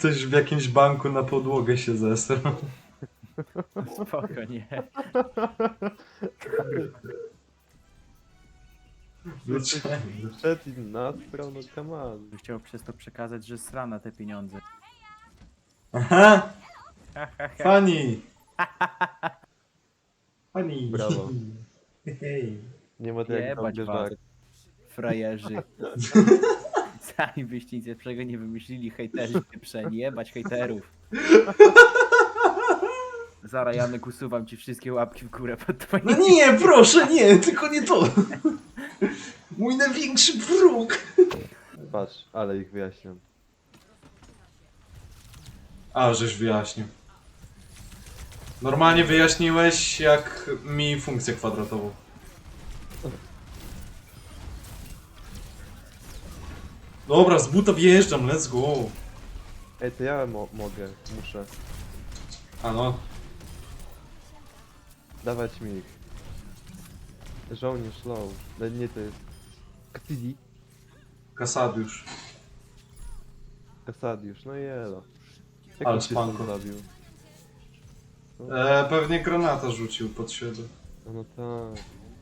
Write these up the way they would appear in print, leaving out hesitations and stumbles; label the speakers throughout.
Speaker 1: ktoś w jakimś banku na podłogę się zesrał.
Speaker 2: Spoko, nie.
Speaker 1: Dlaczego?
Speaker 3: Przed i nastrał, no come on.
Speaker 2: Chciał przez to przekazać, że sra na te pieniądze.
Speaker 1: Aha! Funny! Funny!
Speaker 3: Brawo.
Speaker 1: Hej.
Speaker 3: Nie ma to jak
Speaker 2: Jebać
Speaker 3: dobry
Speaker 2: was,
Speaker 3: żart.
Speaker 2: frajerzy. Sami byście nic lepszego nie wymyślili, hejterzy pieprzeni, jebać hejterów. Zara, Janek, usuwam ci wszystkie łapki w górę pod twoim...
Speaker 1: No nie, proszę, nie, tylko nie to! Mój największy wróg!
Speaker 3: Patrz, ale ich wyjaśniam.
Speaker 1: A, żeś wyjaśnił. Normalnie wyjaśniłeś, jak mi funkcję kwadratową. Dobra, z buta wjeżdżam, let's go!
Speaker 3: Ej, to ja mogę, muszę.
Speaker 1: A no,
Speaker 3: Dawać mi ich. Żołnierz low. No nie, to jest... Ktidi?
Speaker 1: Kasadiusz.
Speaker 3: Kasadiusz, no i elo. Jak
Speaker 1: Ale
Speaker 3: on się
Speaker 1: spanko.
Speaker 3: tam zabił?
Speaker 1: Pewnie granata rzucił pod siebie.
Speaker 3: No tak.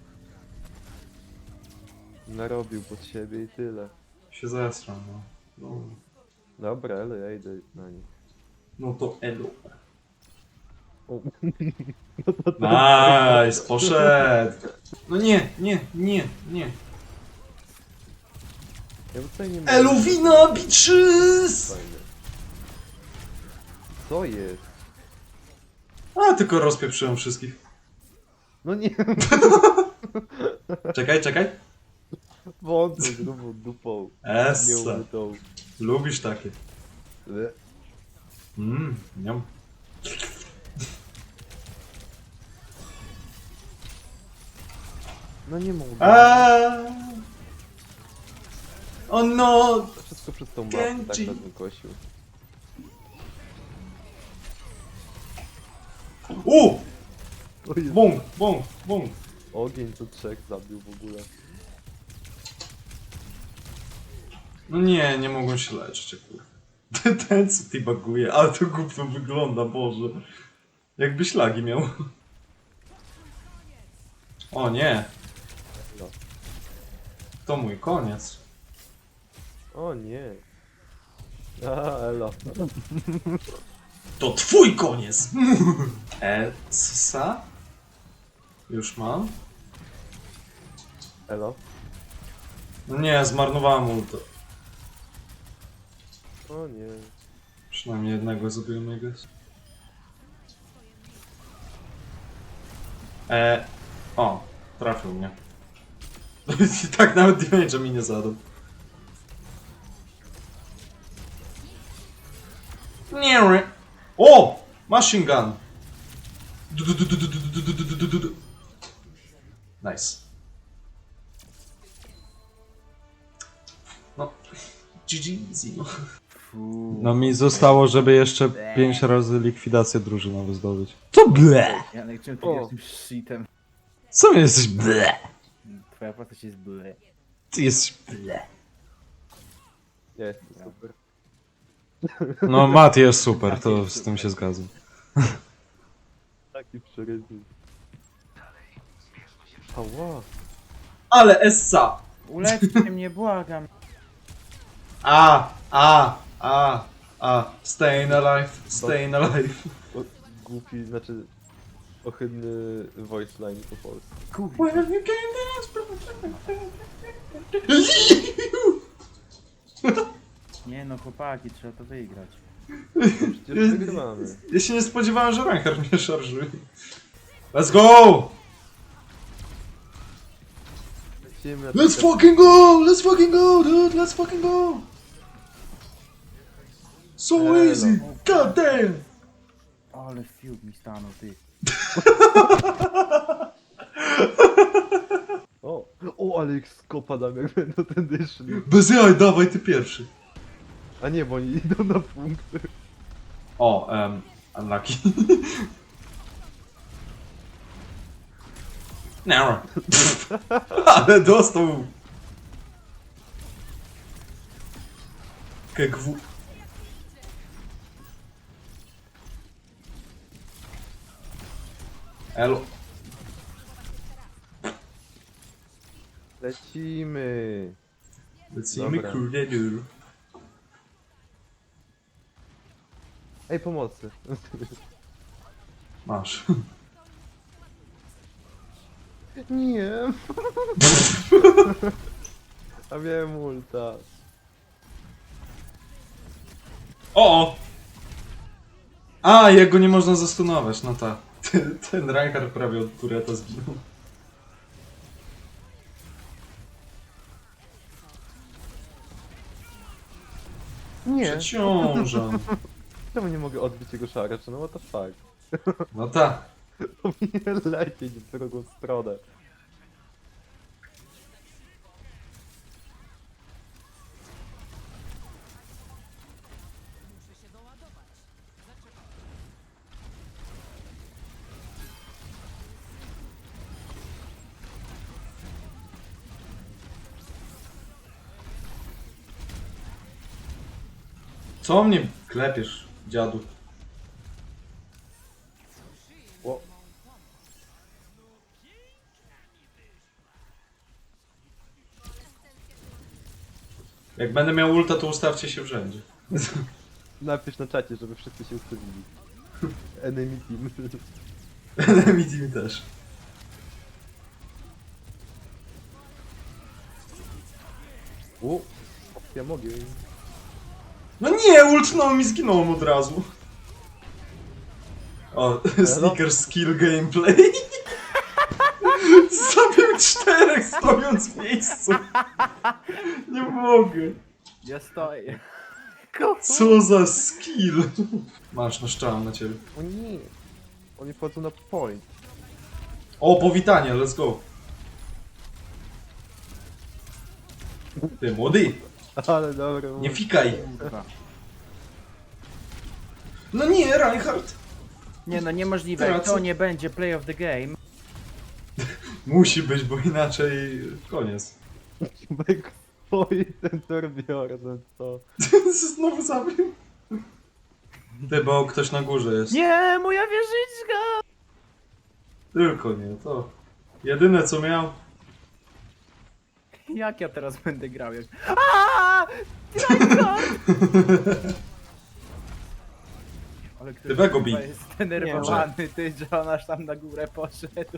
Speaker 3: Narobił pod siebie i tyle.
Speaker 1: Się zesrał, no. No,
Speaker 3: Dobra, ale ja idę na nich.
Speaker 1: no to elu.
Speaker 3: O.
Speaker 1: Nice, poszedł! No nie, nie, nie, nie.
Speaker 3: Ja tutaj nie mogę.
Speaker 1: Eluwina bitches!
Speaker 3: Fajnie. Co jest?
Speaker 1: A, tylko rozpieprzyłem wszystkich.
Speaker 3: No nie,
Speaker 1: Czekaj, czekaj.
Speaker 3: wątpię grubą dupą. Nie
Speaker 1: Essa.
Speaker 3: umytą.
Speaker 1: Lubisz takie. Niam.
Speaker 3: No nie mogę.
Speaker 1: O no!
Speaker 3: Wszystko przez tą mapę tak
Speaker 1: Genji.
Speaker 3: będę kosił. O Jezu,
Speaker 1: Bum, bum, bum.
Speaker 3: ogień to trzech zabił w ogóle.
Speaker 1: No nie, nie mogą się leczyć, kurwa. Ten co ty baguje, ale to głupio wygląda, Boże. Jakby ślagi miał. O nie,
Speaker 3: No.
Speaker 1: to mój koniec.
Speaker 3: O nie. A, elo.
Speaker 1: To twój koniec! Essa? Już mam?
Speaker 3: Elo.
Speaker 1: No nie, zmarnowałem ulta.
Speaker 3: O nie.
Speaker 1: Przynajmniej jednego zabiłem, I guess. O, trafił mnie. I tak nawet damage'a mi nie zadał. Nie. O! Machine gun! Nice. No, GG easy, no.
Speaker 2: Fuu.
Speaker 1: No mi zostało, żeby jeszcze 5 razy likwidację drużynowy zdobyć. To ble!
Speaker 2: Janek, czym ty
Speaker 3: O.
Speaker 2: jesteś tym shitem?
Speaker 1: Co jesteś ble?
Speaker 2: Twoja postać jest ble.
Speaker 1: Ty jesteś ble.
Speaker 3: Ja jestem super.
Speaker 1: No Mat jest super, to z tym się zgadzam.
Speaker 3: Taki przerywy. Ała.
Speaker 1: Ale Essa!
Speaker 2: Uleczcie mnie, błagam.
Speaker 1: Staying alive, staying alive.
Speaker 3: O, głupi, znaczy... Ohydny voice line po polsku.
Speaker 2: Kurwa.
Speaker 1: Well, you can dance,
Speaker 2: Nie no, chłopaki, trzeba to wygrać.
Speaker 3: Przecież wygrywamy.
Speaker 1: Ja się nie spodziewałem, że Reinhardt mnie szarżuje. Let's go!
Speaker 3: Lecimy na
Speaker 1: Let's fucking go! Let's fucking go, dude! Let's fucking go! So
Speaker 3: Elo.
Speaker 1: easy! God damn!
Speaker 2: Ale fiut mi stanął, ty.
Speaker 3: O, ale ich skopa dam, jak będą tędy szli.
Speaker 1: Bez jaj, dawaj ty pierwszy.
Speaker 3: A nie, bo oni idą na punkty.
Speaker 1: O, unlucky. Narrow. Ale dostał. KGW. Elo.
Speaker 3: Lecimy.
Speaker 1: Lecimy
Speaker 3: Dobra.
Speaker 1: kurde dur.
Speaker 3: Ej, pomocy.
Speaker 1: Masz.
Speaker 3: Nie. A miałem ulta.
Speaker 1: O! A, jego nie można zastunować, no tak. Ten Reinhardt prawie od tureta zginął.
Speaker 3: Nie.
Speaker 1: Przeciążam.
Speaker 3: Czemu nie mogę odbić jego szaracza? No what the fuck.
Speaker 1: No tak.
Speaker 3: Powinien lecieć w drugą stronę.
Speaker 1: Co mnie klepiesz, dziadu?
Speaker 3: O,
Speaker 1: Jak będę miał ulta, to ustawcie się w rzędzie.
Speaker 3: napisz na czacie, żeby wszyscy się ustawili. Enemy team.
Speaker 1: Enemy team też.
Speaker 3: O, ja mogę.
Speaker 1: No nie, ultnął mi, zginąłem od razu. O, sneaker skill gameplay. Zabił 4 stojąc w miejscu. Nie mogę.
Speaker 2: Ja stoję.
Speaker 1: Co za skill. Masz, naszczałem na ciebie.
Speaker 3: O nie. Oni wchodzą na point.
Speaker 1: O, powitanie, let's go. Ty, młody,
Speaker 3: Ale dobra.
Speaker 1: nie fikaj.
Speaker 2: Kurwa.
Speaker 1: No nie, Reinhardt.
Speaker 2: Nie no, niemożliwe.
Speaker 1: Teraz-
Speaker 2: To nie będzie play of the game.
Speaker 1: Musi być, bo inaczej koniec.
Speaker 3: Bek stoi ten Torbjorn, co?
Speaker 1: Znowu zabił. Ty, bo ktoś na górze jest.
Speaker 2: Nie, moja wieżyczka!
Speaker 1: Tylko nie, to. Jedyne co miał.
Speaker 2: Jak ja teraz będę grał? Jak... Aaaa! Ale ktoś
Speaker 1: Ty Bego bij.
Speaker 2: chyba jest zdenerwowany, ty, że on aż tam na górę poszedł.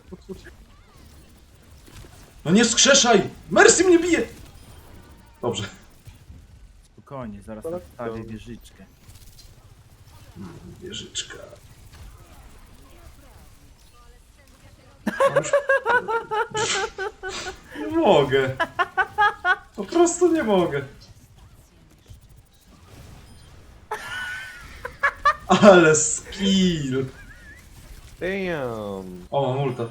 Speaker 1: No nie skrzeszaj! Mercy mnie bije! Dobrze.
Speaker 2: Spokojnie, zaraz
Speaker 3: Tak,
Speaker 2: odstawię
Speaker 3: to-
Speaker 2: wieżyczkę.
Speaker 1: Wieżyczka. Nie mogę. Po prostu nie mogę. Ale skill.
Speaker 3: Damn.
Speaker 1: O, mam ulta.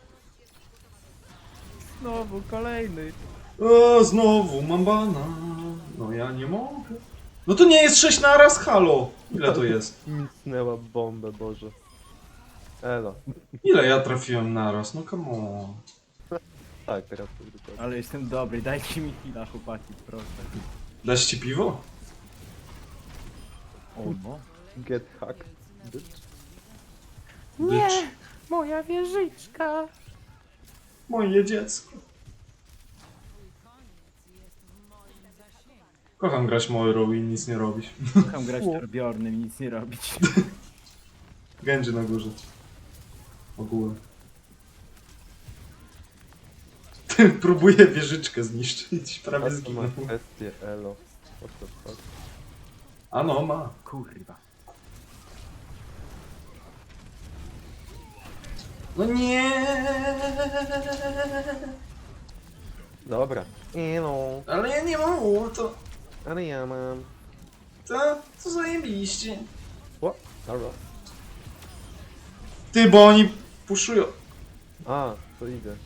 Speaker 2: Znowu kolejny.
Speaker 1: O, znowu mam bana. No ja nie mogę. No to nie jest 6 naraz, halo. Ile to jest?
Speaker 3: Micnęła bombę, Boże. Elo.
Speaker 1: Ile ja trafiłem naraz? No come on.
Speaker 3: Tak, teraz to dokładnie.
Speaker 2: Ale jestem dobry, dajcie mi chwila, chłopaki, proszę.
Speaker 1: Dać ci piwo?
Speaker 2: O no.
Speaker 3: Get hacked. Bitch.
Speaker 1: Bitch.
Speaker 2: Moja wieżyczka.
Speaker 1: Moje dziecko. Kocham grać Moirą i nic nie robić.
Speaker 2: Kocham grać Torbjornem i nic nie robić.
Speaker 1: Genji na górze. Ogółem. Próbuję wieżyczkę zniszczyć. Prawie
Speaker 3: A to ma
Speaker 1: zginął.
Speaker 3: kwestię, elo. What the fuck?
Speaker 1: A no, ma.
Speaker 2: Kurwa.
Speaker 1: No nie.
Speaker 3: Dobra. Elo.
Speaker 1: Ale ja nie mam ulta.
Speaker 3: Ale ja mam.
Speaker 1: To zajebiście.
Speaker 3: O, dobra.
Speaker 1: Ty, bo oni puszują.
Speaker 3: A, to idę.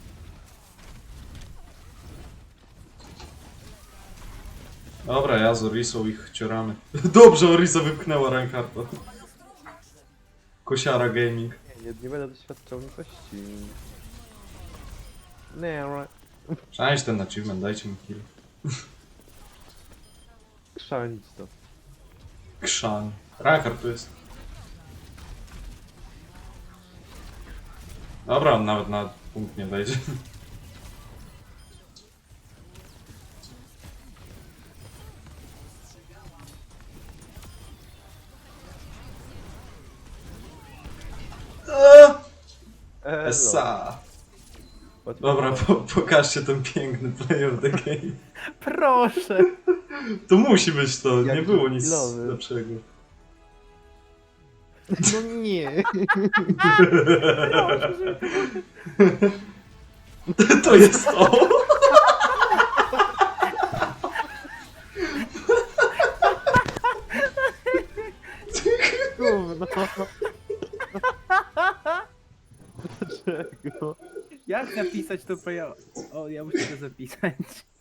Speaker 1: Dobra, ja z Orisą ich cioramy. Dobrze, Orisa wypchnęła Reinhardta. Kosiara Gaming.
Speaker 3: Nie będę doświadczał litości. Nie,
Speaker 1: Przejdź ten achievement, dajcie mi kill.
Speaker 3: krzanić to.
Speaker 1: Krzan. Reinhardt tu jest. Dobra, on nawet na punkt nie wejdzie.
Speaker 3: Elo.
Speaker 1: Esa.
Speaker 3: Łatwo-
Speaker 1: Dobra, pokażcie ten piękny play of the game.
Speaker 2: Proszę!
Speaker 1: To musi być to,
Speaker 3: Jak
Speaker 1: nie było nic
Speaker 3: chwilowy.
Speaker 1: lepszego.
Speaker 3: No nie.
Speaker 1: To jest to!
Speaker 3: Gówno. Dlaczego?
Speaker 2: Jak zapisać to ja... O, ja muszę to zapisać.